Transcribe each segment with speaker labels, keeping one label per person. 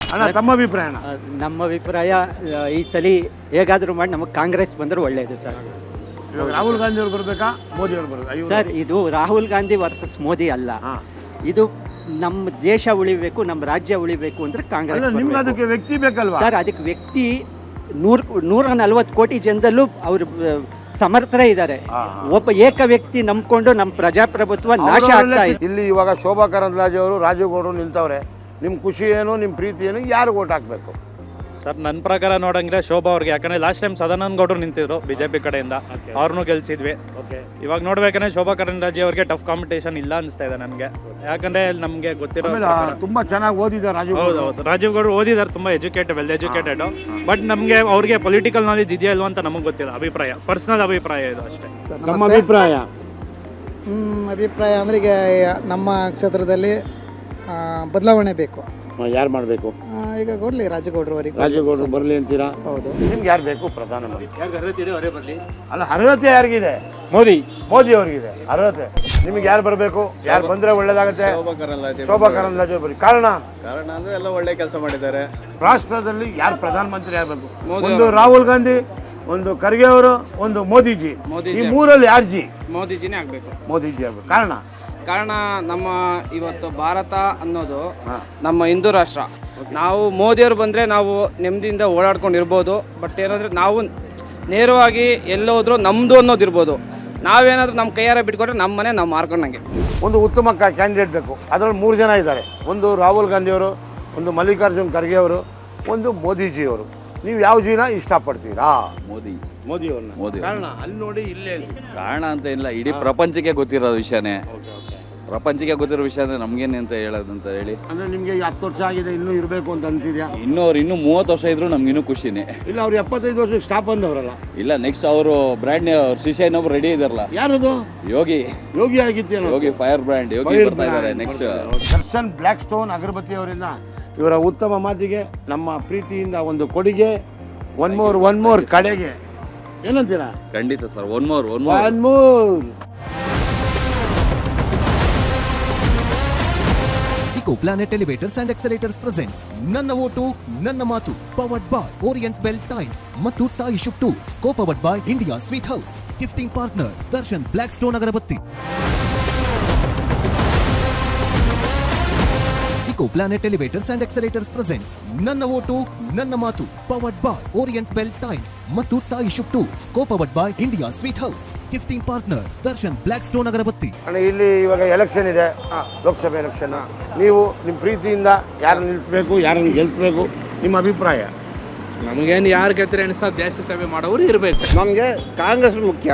Speaker 1: ಅಣ್ಣ ತಮ್ಮ ಅಭಿಪ್ರಾಯ?
Speaker 2: ನಮ್ಮ ಅಭಿಪ್ರಾಯ ಈ ಸಲ ಹೇಗಾದರೂ ಮಾಡಿ ನಮಗೆ ಕಾಂಗ್ರೆಸ್ ಬಂದರೆ ಒಳ್ಳೆಯದು ಸರ್.
Speaker 1: ಇವಾಗ ರಾಹುಲ್ ಗಾಂಧಿ ಅವ್ರು ಬರಬೇಕಾ, ಮೋದಿ ಅವ್ರು ಬರಬೇಕಾ?
Speaker 2: ಸರ್, ಇದು ರಾಹುಲ್ ಗಾಂಧಿ ವರ್ಸಸ್ ಮೋದಿ ಅಲ್ಲ. ಇದು ನಮ್ಮ ದೇಶ ಉಳಿಬೇಕು, ನಮ್ಮ ರಾಜ್ಯ ಉಳಿಬೇಕು ಅಂದ್ರೆ ಕಾಂಗ್ರೆಸ್.
Speaker 1: ನಿಮ್ಗೆ ಅದಕ್ಕೆ ವ್ಯಕ್ತಿ ಬೇಕಲ್ವಾ
Speaker 2: ಸರ್? ಅದಕ್ಕೆ ವ್ಯಕ್ತಿ 140 ಕೋಟಿ ಜನದಲ್ಲೂ ಅವರು ಸಮರ್ಥರೇ ಇದ್ದಾರೆ. ಒಬ್ಬ ಏಕ ವ್ಯಕ್ತಿ ನಂಬ್ಕೊಂಡು ನಮ್ಮ ಪ್ರಜಾಪ್ರಭುತ್ವ ನಾಶ ಆಗ್ತಾ ಇದೆ.
Speaker 1: ಇಲ್ಲಿ ಇವಾಗ ಶೋಭಾ ಕರಂದ್ಲಾಜೆ ಅವರು, ರಾಜೀವ್ ಗೌಡರು ನಿಲ್ತವ್ರೆ. ನಿಮ್ಮ ಖುಷಿ ಏನು, ನಿಮ್ಮ ಪ್ರೀತಿ ಏನು, ಯಾರು ಓಟ್ ಹಾಕಬೇಕು?
Speaker 3: ಸರ್, ನನ್ನ ಪ್ರಕಾರ ನೋಡಂಗಿದ್ರೆ ಶೋಭಾ ಅವ್ರಿಗೆ. ಯಾಕಂದರೆ ಲಾಸ್ಟ್ ಟೈಮ್ ಸದಾನಂದ ಗೌಡರು ನಿಂತಿದ್ರು BJP ಕಡೆಯಿಂದ, ಅವ್ರನ್ನೂ ಗೆಲ್ಸಿದ್ವಿ. ಇವಾಗ ನೋಡ್ಬೇಕಂದ್ರೆ ಶೋಭಾ ಕರಂದ್ಲಾಜೆ ಅವ್ರಿಗೆ ಟಫ್ ಕಾಂಪಿಟೇಷನ್ ಇಲ್ಲ ಅನಿಸ್ತಾ ಇದೆ ನನಗೆ. ಯಾಕಂದರೆ ನಮಗೆ ಗೊತ್ತಿರೋ
Speaker 1: ತುಂಬ ಚೆನ್ನಾಗಿ ಓದಿದ್ದಾರೆ ರಾಜೀವ್.
Speaker 3: ಹೌದು, ರಾಜೀವ್ ಗೌಡರು ಓದಿದ್ದಾರೆ, ತುಂಬ ವೆಲ್ ಎಜುಕೇಟೆಡ್. ಬಟ್ ನಮಗೆ ಅವ್ರಿಗೆ ಪೊಲಿಟಿಕಲ್ ನಾಲೆಜ್ ಇದೆಯಾ ಇಲ್ವಾ ಅಂತ ನಮಗೆ ಗೊತ್ತಿಲ್ಲ. ಅಭಿಪ್ರಾಯ, ಪರ್ಸನಲ್ ಅಭಿಪ್ರಾಯ ಇದು ಅಷ್ಟೇ.
Speaker 1: ನಮ್ಮ ಅಭಿಪ್ರಾಯ
Speaker 4: ಅಂದರೆ ಈಗ ನಮ್ಮ ಕ್ಷೇತ್ರದಲ್ಲಿ ಬದಲಾವಣೆ ಬೇಕು.
Speaker 1: ಯಾರು ಮಾಡಬೇಕು?
Speaker 4: ಈಗ ಕೊಡಲಿ ರಾಜಗೌಡರು ಅವರಿಗೆ.
Speaker 1: ರಾಜಗೌಡರು ಬರಲಿ ಅಂತೀರಾ?
Speaker 4: ಹೌದು.
Speaker 1: ನಿಮ್ಗೆ ಯಾರು ಬೇಕು ಪ್ರಧಾನಮಂತ್ರಿ? ಅಲ್ಲ, ಅರ್ಹತೆ ಯಾರಿಗಿದೆ? ಮೋದಿ ಅವ್ರಿಗಿದೆ ಅರ್ಹತೆ. ನಿಮ್ಗೆ ಯಾರು ಬರಬೇಕು? ಯಾರು ಬಂದ್ರೆ ಒಳ್ಳೇದಾಗತ್ತೆ? ಶೋಭಾ ಕರಂದ್ಲಾಜೆ ಬರೀ. ಕಾರಣ
Speaker 5: ಅಂದ್ರೆ ಎಲ್ಲ ಒಳ್ಳೆ ಕೆಲಸ ಮಾಡಿದ್ದಾರೆ.
Speaker 1: ರಾಷ್ಟ್ರದಲ್ಲಿ ಯಾರು ಪ್ರಧಾನಮಂತ್ರಿ ಆಗಬೇಕು? ಒಂದು ರಾಹುಲ್ ಗಾಂಧಿ, ಒಂದು ಖರ್ಗೆ ಅವರು, ಒಂದು ಮೋದಿಜಿ. ಈ ಮೂರಲ್ಲಿ ಯಾರು ಜಿ?
Speaker 6: ಮೋದಿಜಿನೇ ಆಗಬೇಕು.
Speaker 1: ಮೋದಿಜಿ ಆಗಬೇಕು. ಕಾರಣ
Speaker 6: ನಮ್ಮ ಇವತ್ತು ಭಾರತ ಅನ್ನೋದು ನಮ್ಮ ಹಿಂದೂ ರಾಷ್ಟ್ರ. ನಾವು ಮೋದಿಯವರು ಬಂದರೆ ನಾವು ನೆಮ್ಮದಿಯಿಂದ ಓಡಾಡ್ಕೊಂಡಿರ್ಬೋದು. ಬಟ್ ಏನಂದರೆ ನಾವು ನೇರವಾಗಿ ಎಲ್ಲೋದ್ರೂ ನಮ್ಮದು ಅನ್ನೋದಿರ್ಬೋದು. ನಾವೇನಾದರೂ ನಮ್ಮ ಕೈಯಾರ ಬಿಟ್ಕೊಟ್ರೆ ನಮ್ಮ ಮನೆ ನಾವು ಮಾರ್ಕೊಂಡಂಗೆ.
Speaker 1: ಒಂದು ಉತ್ತಮ ಕ್ಯಾಂಡಿಡೇಟ್ ಬೇಕು. ಅದರಲ್ಲಿ 3 ಜನ ಇದ್ದಾರೆ. ಒಂದು ರಾಹುಲ್ ಗಾಂಧಿ ಅವರು, ಒಂದು ಮಲ್ಲಿಕಾರ್ಜುನ್ ಖರ್ಗೆ ಅವರು, ಒಂದು ಮೋದಿಜಿಯವರು. ನೀವು ಯಾವ ಜಿನ ಇಷ್ಟಪಡ್ತೀರಾ? ಮೋದಿ. ಕಾರಣ ಅಲ್ಲಿ ನೋಡಿ, ಇಲ್ಲೇ
Speaker 7: ಕಾರಣ ಅಂತ ಇಲ್ಲ, ಇಡೀ ಪ್ರಪಂಚಕ್ಕೆ ಗೊತ್ತಿರೋ ವಿಷಯನೇ. ಪ್ರಪಂಚಕ್ಕೆ ಗೊತ್ತಿರೋ ವಿಷಯನೇ ನಮ್ಗೇನೆ ಅಂತ ಹೇಳೋದಂತ ಹೇಳಿ.
Speaker 1: ಅಂದ್ರೆ ನಿಮಗೆ 10 ವರ್ಷ ಆಗಿದೆ, ಇನ್ನೂ ಇರಬೇಕು ಅಂತ ಅನ್ಸಿದ್ಯಾ?
Speaker 7: ಇನ್ನೂ 30 ವರ್ಷ ಇದ್ರು ನಮ್ಗಿನ್ನೂ ಖುಷಿನೇ.
Speaker 1: ಇಲ್ಲ, ಅವ್ರು 75 ವರ್ಷ ಸ್ಟಾಪ್ ಅಂದವರಲ್ಲ.
Speaker 7: ಇಲ್ಲ, ನೆಕ್ಸ್ಟ್ ಅವರು ಬ್ರ್ಯಾಂಡ್ ಶಿಷ್ಯ ಇನ್ನೊಬ್ರು ರೆಡಿ ಇದಾರಲ್ಲ.
Speaker 1: ಯಾರದು?
Speaker 7: ಯೋಗಿ
Speaker 1: ಆಗಿತ್ತೇನೋ.
Speaker 7: ಯೋಗಿ ಫೈರ್ ಬ್ರ್ಯಾಂಡ್ ಯೋಗಿ ಬರ್ತಾ ಇದ್ದಾರೆ next.
Speaker 1: Darshan black stone agarbatti ಅವರಿಂದ ಇವರ ಉತ್ತಮ ಮಾತಿಗೆ ನಮ್ಮ ಪ್ರೀತಿಯಿಂದ ಒಂದು ಕೊಡುಗೆ. ಒನ್ ಮೋರ್ ಕಡೆಗೆ ಏನಂತೀರಾ?
Speaker 7: ಖಂಡಿತ sir. One more
Speaker 8: Eco Planet Elevators and Accelerators presents ನನ್ನ ಓಟು ನನ್ನ ಮಾತು, powered by Orient bell tiles ಮತ್ತು ಸಾಯಿ ಶುಕ್ tours, co-powered by India sweet house, gifting partner Darshan black stone agarbatti. Eco Planet Elevators and Accelerators presents ನನ್ನ vote ನನ್ನ ಮಾತು, powered by Orient bell tiles ಮತ್ತು ಸಾಯಿ ಶುಕ್ tours, co-powered by India sweet house, gifting partner Darshan black stone agarbatti.
Speaker 1: ಇಲ್ಲಿ ಇವಾಗ election ಇದೆ, ಲೋಕಸಭೆ election. ನೀವು ನಿಮ್ಮ ಪ್ರೀತಿಯಿಂದ ಯಾರನ್ನು ನಿಲ್ಲಿಸಬೇಕು, ಯಾರನ್ನು ಗೆಲ್ಲಿಸಬೇಕು, ನಿಮ್ಮ ಅಭಿಪ್ರಾಯ?
Speaker 6: ನಮಗೇನು ಯಾರು ಗೆದ್ದರೆ ಅನಿಸ ದೇಶ ಸೇವೆ ಮಾಡೋರು ಇರಬೇಕು.
Speaker 5: ನಮಗೆ ಕಾಂಗ್ರೆಸ್ ಮುಖ್ಯ.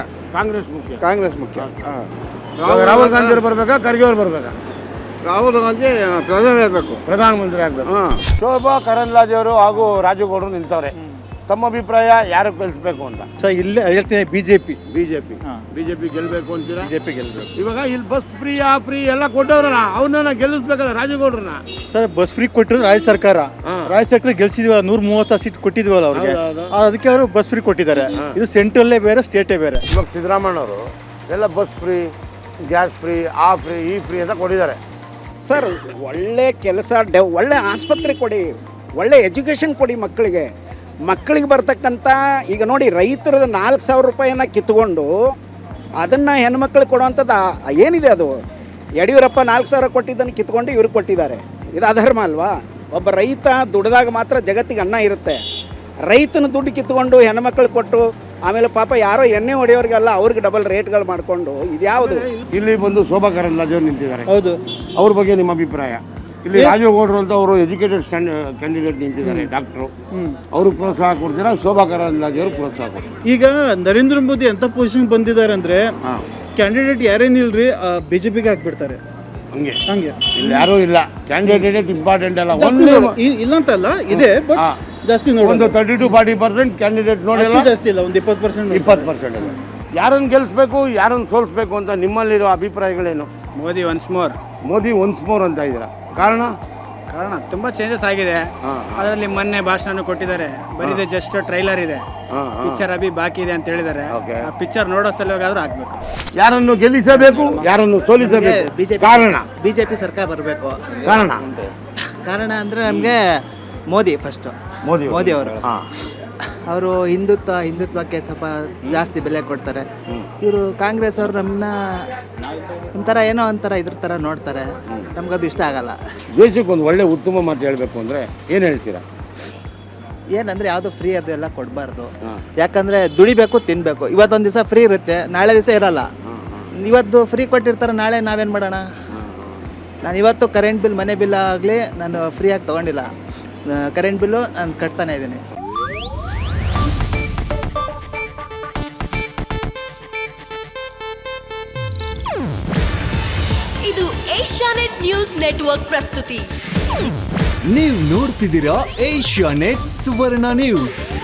Speaker 1: ರಾಹುಲ್ ಗಾಂಧಿ ಅವರು ಬರಬೇಕಾ, ಖರ್ಗೆ ಅವರು ಬರಬೇಕಾ?
Speaker 5: ರಾಹುಲ್ ಗಾಂಧಿ
Speaker 1: ಪ್ರಧಾನಮಂತ್ರಿ ಆಗಬೇಕು. ಶೋಭಾ ಕರಂದ್ಲಾಜೆ ಅವರು ಹಾಗೂ ರಾಜೀವ್ ಗೌಡರು ನಿಂತವ್ರೆ. ತಮ್ಮ ಅಭಿಪ್ರಾಯ ಯಾರು ಗೆಲ್ಲಿಸಬೇಕು ಅಂತ?
Speaker 5: ಸರ್, ಇಲ್ಲೇ ಹೇಳ್ತೀನಿ ಬಿಜೆಪಿ
Speaker 1: ಗೆಲ್ಲಬೇಕು ಅಂತೀರಾ?
Speaker 5: ಬಿಜೆಪಿ ಗೆಲ್ಲಬೇಕು.
Speaker 1: ಇವಾಗ ಇಲ್ಲಿ ಬಸ್ ಫ್ರೀ ಎಲ್ಲ ಕೊಟ್ಟವ್ರಲ್ಲ, ಅವನ್ನ ಗೆಲ್ಲಿಸ್ಬೇಕಲ್ಲ ರಾಜೀವ್ ಗೌಡ್ರನ್ನ.
Speaker 5: ಸರ್, ಬಸ್ ಫ್ರೀ ಕೊಟ್ಟಿದ್ರು ರಾಜ್ಯ ಸರ್ಕಾರ ಗೆಲ್ಸಿದ್ವಿ. 130 ಸೀಟ್ ಕೊಟ್ಟಿದ್ವಲ್ಲ ಅವ್ರಿಗೆ, ಅದಕ್ಕೆ ಅವರು ಬಸ್ ಫ್ರೀ ಕೊಟ್ಟಿದ್ದಾರೆ. ಇದು ಸೆಂಟ್ರಲ್ಲೇ ಬೇರೆ, ಸ್ಟೇಟೇ ಬೇರೆ.
Speaker 1: ಇವಾಗ ಸಿದ್ದರಾಮಯ್ಯ ಅವರು ಎಲ್ಲ ಬಸ್ ಫ್ರೀ, ಗ್ಯಾಸ್ ಫ್ರೀ, ಆ ಫ್ರೀ, ಈ ಫ್ರೀ ಅಂತ ಕೊಟ್ಟಿದ್ದಾರೆ.
Speaker 9: ಸರ್, ಒಳ್ಳೆ ಕೆಲಸ, ಒಳ್ಳೆ ಆಸ್ಪತ್ರೆ ಕೊಡಿ, ಒಳ್ಳೆ ಎಜುಕೇಷನ್ ಕೊಡಿ ಮಕ್ಕಳಿಗೆ ಬರ್ತಕ್ಕಂಥ. ಈಗ ನೋಡಿ, ರೈತರದ 4,000 ರೂಪಾಯಿನ ಕಿತ್ಕೊಂಡು ಅದನ್ನು ಹೆಣ್ಮಕ್ಳಿಗೆ ಕೊಡುವಂಥದ್ದು ಏನಿದೆ ಅದು? ಯಡಿಯೂರಪ್ಪ 4,000 ಕೊಟ್ಟಿದ್ದನ್ನು ಕಿತ್ಕೊಂಡು ಇವ್ರಿಗೆ ಕೊಟ್ಟಿದ್ದಾರೆ. ಇದು ಅಧರ್ಮ ಅಲ್ವಾ? ಒಬ್ಬ ರೈತ ದುಡಿದಾಗ ಮಾತ್ರ ಜಗತ್ತಿಗೆ ಅನ್ನ ಇರುತ್ತೆ. ರೈತನ ದುಡ್ಡು ಕಿತ್ಕೊಂಡು ಹೆಣ್ಮಕ್ಳಿಗೆ ಕೊಟ್ಟು ಆಮೇಲೆ ಪಾಪ ಯಾರೋ ಎಣ್ಣೆ ಹೊಡೆಯೋರಿಗೆಲ್ಲ ಅವ್ರಿಗೆ ಡಬಲ್ ರೇಟ್ಗಳು ಮಾಡಿಕೊಂಡು ಇದ್ಯಾವುದು?
Speaker 1: ಇಲ್ಲಿ ಬಂದು ಶೋಭಾ ಕರಂದ್ಲಾಜೆ ಅವರು ನಿಂತಿದ್ದಾರೆ.
Speaker 4: ಹೌದು.
Speaker 1: ಅವ್ರ ಬಗ್ಗೆ ನಿಮ್ಮ ಅಭಿಪ್ರಾಯ? ಇಲ್ಲಿ ರಾಜೀವ್ ಗೌಡರು ಅಂತ ಅವರು ಎಜುಕೇಟೆಡ್ ಕ್ಯಾಂಡಿಡೇಟ್ ನಿಂತಿದ್ದಾರೆ, ಡಾಕ್ಟ್ರು. ಅವ್ರಿಗೆ ಪ್ರೋತ್ಸಾಹ ಕೊಡ್ತೀರಾ? ಶೋಭಾ ಕರಂದ್ಲಾಜೆ ಅವರು ಪ್ರೋತ್ಸಾಹ ಕೊಡ್ತೀರಾ?
Speaker 5: ಈಗ ನರೇಂದ್ರ ಮೋದಿ ಎಂಥ ಪೊಸಿಷನ್ ಬಂದಿದ್ದಾರೆ ಅಂದರೆ, ಕ್ಯಾಂಡಿಡೇಟ್ ಯಾರೇನಿಲ್ರಿ ಬಿಜೆಪಿಗೆ ಹಾಕ್ಬಿಡ್ತಾರೆ.
Speaker 1: ಹಂಗೆ ಇಲ್ಲಿ ಯಾರೂ ಇಲ್ಲ. ಕ್ಯಾಂಡಿಡೇಟ್ ಇಂಪಾರ್ಟೆಂಟ್ ಅಲ್ಲ,
Speaker 5: ಇಲ್ಲ ಅಂತಲ್ಲ, ಇದೆ. ಬಟ್ ಜಾಸ್ತಿ ನೋಡಿ,
Speaker 1: ಒಂದು 30-40% ಕ್ಯಾಂಡಿಡೇಟ್ ನೋಡಿ,
Speaker 5: ಜಾಸ್ತಿ ಇಲ್ಲ, ಒಂದು
Speaker 1: 20% ಇದೆ. ಯಾರನ್ನು ಗೆಲ್ಲಿಸ್ಬೇಕು, ಯಾರನ್ನು ಸೋಲಿಸ್ಬೇಕು ಅಂತ ನಿಮ್ಮಲ್ಲಿರೋ ಅಭಿಪ್ರಾಯಗಳೇನು?
Speaker 6: ಮೋದಿ
Speaker 1: ಒನ್ಸ್ ಮೋರ್ ಅಂತ ಇದ್ದೀರಾ. ಕಾರಣ
Speaker 6: ತುಂಬ ಚೇಂಜಸ್ ಆಗಿದೆ. ಅದರಲ್ಲಿ ಮೊನ್ನೆ ಭಾಷಣ ಕೊಟ್ಟಿದ್ದಾರೆ. ಬರೀದೆ ಜಸ್ಟ್ ಟ್ರೈಲರ್ ಇದೆ, ಪಿಕ್ಚರ್ ಬಾಕಿ ಇದೆ ಅಂತ ಹೇಳಿದ್ದಾರೆ. ಪಿಕ್ಚರ್ ನೋಡೋ ಸಲುವಾಗಾದ್ರೂ ಆಗ್ಬೇಕು.
Speaker 1: ಯಾರನ್ನು ಗೆಲ್ಲಿಸಬೇಕು, ಯಾರನ್ನು ಸೋಲಿಸಬೇಕು? ಕಾರಣ
Speaker 2: ಬಿಜೆಪಿ ಸರ್ಕಾರ ಬರಬೇಕು.
Speaker 1: ಕಾರಣ
Speaker 2: ಅಂದರೆ ನಮಗೆ
Speaker 4: ಮೋದಿ ಫಸ್ಟು ಮೋದಿ ಅವರು
Speaker 1: ಹಾಂ
Speaker 4: ಅವರು ಹಿಂದುತ್ವಕ್ಕೆ ಸ್ವಲ್ಪ ಜಾಸ್ತಿ ಬೆಲೆ ಕೊಡ್ತಾರೆ. ಇವರು ಕಾಂಗ್ರೆಸ್ ಅವರು ನಮ್ಮನ್ನ ಒಂಥರ ಏನೋ ಒಂಥರ ಇದ್ರ ಥರ ನೋಡ್ತಾರೆ, ನಮಗದು ಇಷ್ಟ ಆಗಲ್ಲ.
Speaker 1: ದೇಶಕ್ಕೆ ಒಂದು ಒಳ್ಳೆ ಉತ್ತಮ ಮಾತು ಹೇಳಬೇಕು ಅಂದರೆ ಏನು ಹೇಳ್ತೀರಾ?
Speaker 4: ಏನಂದರೆ ಯಾವುದು ಫ್ರೀ ಅದು ಎಲ್ಲ ಕೊಡಬಾರ್ದು. ಯಾಕಂದರೆ ದುಡಿಬೇಕು, ತಿನ್ನಬೇಕು. ಇವತ್ತೊಂದು ದಿವಸ ಫ್ರೀ ಇರುತ್ತೆ, ನಾಳೆ ದಿವಸ ಇರಲ್ಲ. ಇವತ್ತು ಫ್ರೀ ಕೊಟ್ಟಿರ್ತಾರೆ, ನಾಳೆ ನಾವೇನು ಮಾಡೋಣ? ನಾನು ಇವತ್ತು ಕರೆಂಟ್ ಬಿಲ್, ಮನೆ ಬಿಲ್ ಆಗಲಿ ನಾನು ಫ್ರೀಯಾಗಿ ತೊಗೊಂಡಿಲ್ಲ. ಕರೆಂಟ್ ಬಿಲ್ಲು ನಾನು ಕಟ್ತಾನೆ ಇದ್ದೀನಿ.
Speaker 10: ಇದು ಏಷ್ಯಾನೆಟ್ ನ್ಯೂಸ್ ನೆಟ್ವರ್ಕ್ ಪ್ರಸ್ತುತಿ.
Speaker 8: ನೀವು ನೋಡ್ತಿದ್ದೀರಾ ಏಷ್ಯಾನೆಟ್ ಸುವರ್ಣ ನ್ಯೂಸ್.